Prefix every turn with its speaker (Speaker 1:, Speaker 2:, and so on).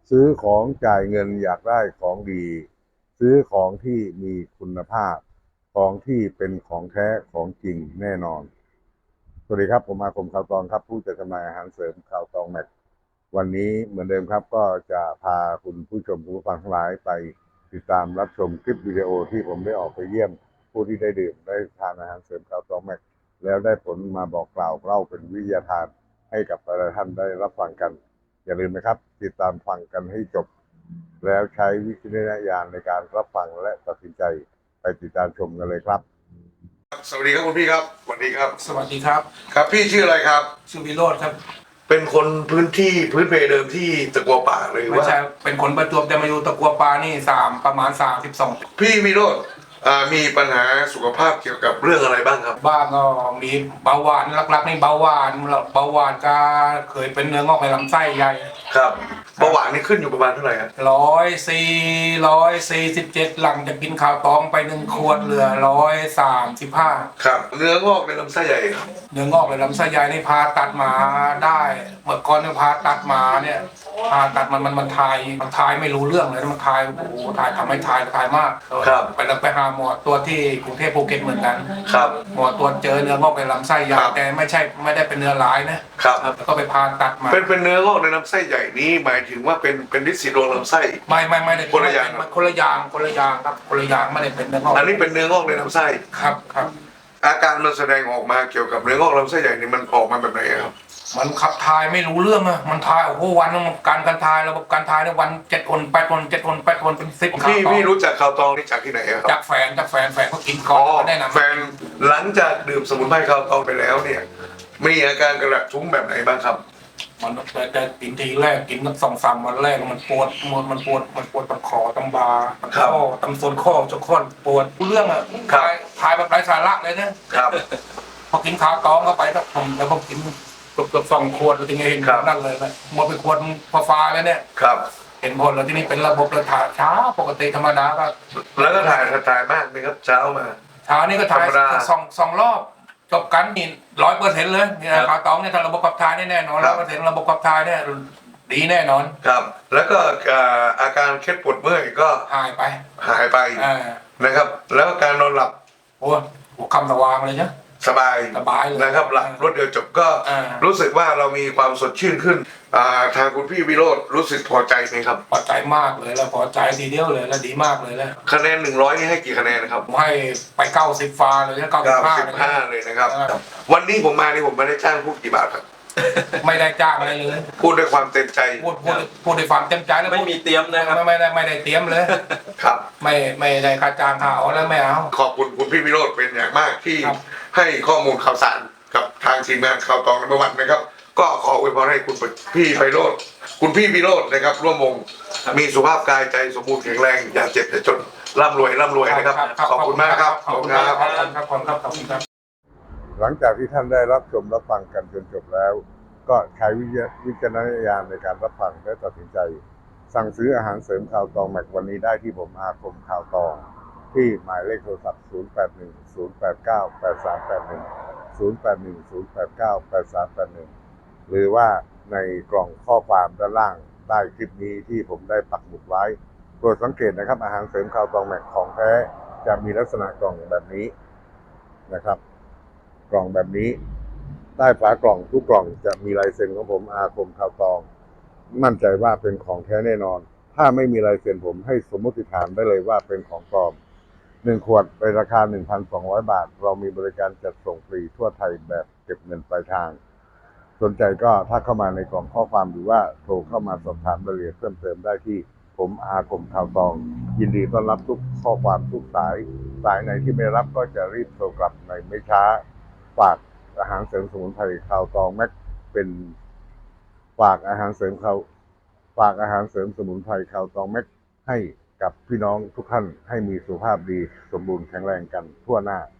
Speaker 1: ซื้อของจ่ายเงินอยากได้ของดีซื้อของที่มีคุณภาพของที่เป็นของแท้ของจริงแน่นอนสวัสดีครับผมอาคมข่าวตองครับผู้จัดจำหน่ายอาหารเสริมข่าวตองแม็กวันนี้เหมือนเดิมครับก็จะพาคุณผู้ชมผู้ฟังทั้งหลายไปติดตามรับชมคลิปวิดีโอที่ผมได้ออกไปเยี่ยมผู้ที่ได้ดื่มได้ทานอาหารเสริมข่าวตองแม็กแล้วได้ผลมาบอกกล่าวเล่าเป็นวิทยาทานให้กับแต่ละท่านได้รับฟังกัน อย่าลืมนะครับติดตามฟังกันให้จบแล้วใช้วิจารณญาณในการรับฟังและตัดสินใจไปติดตามชมกันเลยครับสวัสดีครับคุณพี่ครับสวัสดีครับ
Speaker 2: สวัสดีครับ
Speaker 1: ครับพี่ชื่ออะไรครับ
Speaker 2: ชื่อวิโรจน์ครับ
Speaker 1: เป็นคนพื้นเพเดิมที่ตะกัวป่าหรือ
Speaker 2: ไม่
Speaker 1: ว่า
Speaker 2: ใช่เป็นคนประจวบแต่มาอยู่ตะกัวปานี่ประมาณ32
Speaker 1: พี่วิโรจน์มีปัญหาสุขภาพเกี่ยวกับเรื่องอะไรบ้างครับ
Speaker 2: บ้างก็มีเบาหวานหลักๆนี่เบาหวานก็เคยเป็นเนื้องอกในลำไส้ใหญ่
Speaker 1: ครับเบาหวานนี่ขึ้นอยู่ประมาณเท่าไหร่ครับ
Speaker 2: 147หลังจากกินข้าวตองไป1 ขวดเหลือ135
Speaker 1: ครับเนื้องอกในลำไส้ใหญ่ครับ
Speaker 2: เนื้องอกในลำไส้ใหญ่นี่ผ่าตัดมาได้เมื่อก่อนเนี่ยผ่าตัดมาเนี่ยผ่าตัดมันทายไม่รู้เรื่องเลยมันทายโอ้โหทายทำให้ทายมาก
Speaker 1: ครับ
Speaker 2: ไปหาหมอตัวที่กรุงเทพภูเก็ตเหมือนกัน
Speaker 1: ครับ
Speaker 2: หมอตรวจเจอเนื้องอกในลำไส้ใหญ่แต่ไม่ได้เป็นเนื้อร้ายนะครับแล้วก็ไปผ่าตัดมา
Speaker 1: เป็นเนื้องอกในลำไส้ใหญ่นี้หมายถึงว่าเป็นลินสีดวงลำไส้
Speaker 2: ไม่ได้
Speaker 1: คนละอย่าง
Speaker 2: คนละอย่างครับคนละอย่างไม่ได้เป็นเนื้องอก
Speaker 1: อันนี้เป็นเนื้องอกในลำไส้
Speaker 2: ครับ
Speaker 1: อาการมันแสดงออกมาเกี่ยวกับเนื้องอกลำไส้ใหญ่นี่มันออกมาแบบไหนครับ
Speaker 2: มันขับทายไม่รู้เรื่องอะมันทายโอ้โหวันนึงการทายระบบการทายในวัน7 คน 8 คน7 คน 8 คนเป็น10
Speaker 1: พี่รู้จักข่าวตองนี่จากที่ไหนครับ
Speaker 2: จากแฟนเขากินก่อนเขาแนะนำ
Speaker 1: แฟนหลังจากดื่มสมุนไพรข่าวตองไปแล้วเนี่ยมีอาการกระทุ้งแบบไหนบ้างครับ
Speaker 2: มันแต่กินทีแรกกินตั้ง2-3 วันแรกมันปวดตำคอตำบาตำข้อตำโซนข้อจนข้อปวดเรื่องอะทายแบบไร้สาระเลยนะครับพอกินข้าวตองเข้าไปแล้วผมกินเกือบ2 ขวดแล้วทีนี้เห็นนั่นเลยนะหมดไปขวดฟ้าแล้วเนี่ย
Speaker 1: ครับ
Speaker 2: เห็นผลแล้วที่นี่เป็นระบบเลยถ่ายช้าปกติธรรมดาก็
Speaker 1: แล้วก็ถ่ายมากไหมครับเช้ามา
Speaker 2: เช้านี้ก็ถ่ายสองรอบจบกันนี่100%เลยนี่นะข่าวตองเนี่ยถ้าระบบขับถ่ายแน่นอน100%ระบบขับถ่ายเนี่ยดีแน่นอน
Speaker 1: ครับแล้วก็อาการเคล็ดปวดเมื่อยก็หายไปนะครับแล้วการนอนหลับ
Speaker 2: โอ้คำสว่างเลยนะ
Speaker 1: สบาย
Speaker 2: เลย
Speaker 1: นะครับหลับรวดเดียวจบก็รู้สึกว่าเรามีความสดชื่นขึ้นทางคุณพี่วิโรจน์รู้สึกพอใจไหมครับ
Speaker 2: พอใจมากเลยแล้วพอใจทีเดียวเลยแล้วดีมากเลยแล้ว
Speaker 1: คะแนน100นี่ให้กี่คะแนนครับ
Speaker 2: ผมให้ไป90ฟ้าเลยนะ95
Speaker 1: เลยนะครับวันนี้ผมมานี่ผมไม่ได้จ้างพูดกี่บาทครับ
Speaker 2: ไม่ได้จ้างอะไรเลย
Speaker 1: พูดด้วยความเต็มใจ
Speaker 2: พูดด้วยความเต็มใจแล้ว
Speaker 3: ไม่มีเตรียมนะครับ
Speaker 2: ไม่ได้เตรียมเลย
Speaker 1: ครับ
Speaker 2: ไม่ได้ค่าจ้างเขาแล้วไม่เอา
Speaker 1: ขอบคุณคุณพี่วิโรจน์เป็นอย่างมากที่ให้ข้อมูลข่าวสารกับทางทีมงานข่าวตองในวันนะครับก็ขออวยพรให้คุณพี่ไพโรจน์คุณพี่วิโรจน์นะครับร่วมวงมีสุขภาพกายใจสมบูรณ์แข็งแรงอย่าเจ็บอย่าจนร่ำรวยนะครับขอบคุณมากครับ
Speaker 2: ขอบคุณครับ
Speaker 1: หลังจากที่ท่านได้รับชมรับฟังกันจนจบแล้วก็ใช้วิจารณญาณในการรับฟังและตัดสินใจสั่งซื้ออาหารเสริมข่าวตองแม็กวันนี้ได้ที่ผมอาคมข่าวตองที่หมายเลขโทรศัพท์0810898381 หรือว่าในกล่องข้อความด้านล่างใต้คลิปนี้ที่ผมได้ปักหมุดไว้โปรดสังเกตนะครับอาหารเสริมข่าวตองแม็กของแท้จะมีลักษณะกล่องแบบนี้นะครับกล่องแบบนี้ใต้ฝากล่องทุกกล่องจะมีลายเซ็นของผมอาคมข่าวตองมั่นใจว่าเป็นของแท้แน่นอนถ้าไม่มีลายเซ็นผมให้สมมติฐานได้เลยว่าเป็นของปลอม1 ขวดในราคา 1,200 บาทเรามีบริการจัดส่งฟรีทั่วไทยแบบเก็บเงินปลายทางสนใจก็ถ้าเข้ามาในกล่องข้อความหรือว่าโทรเข้ามาสอบถามรายละเอียดเพิ่มเติมได้ที่ผมอาคมข่าวตองยินดีต้อนรับทุกข้อความทุกสายไหนที่ไม่รับก็จะรีบโทรกลับในไม่ช้าฝากอาหารเสริมสมุนไพรข่าวตองแม็กเป็นฝากอาหารเสริมสมุนไพรข่าวตองแม็กให้กับพี่น้องทุกท่านให้มีสุขภาพดีสมบูรณ์แข็งแรงกันทั่วหน้า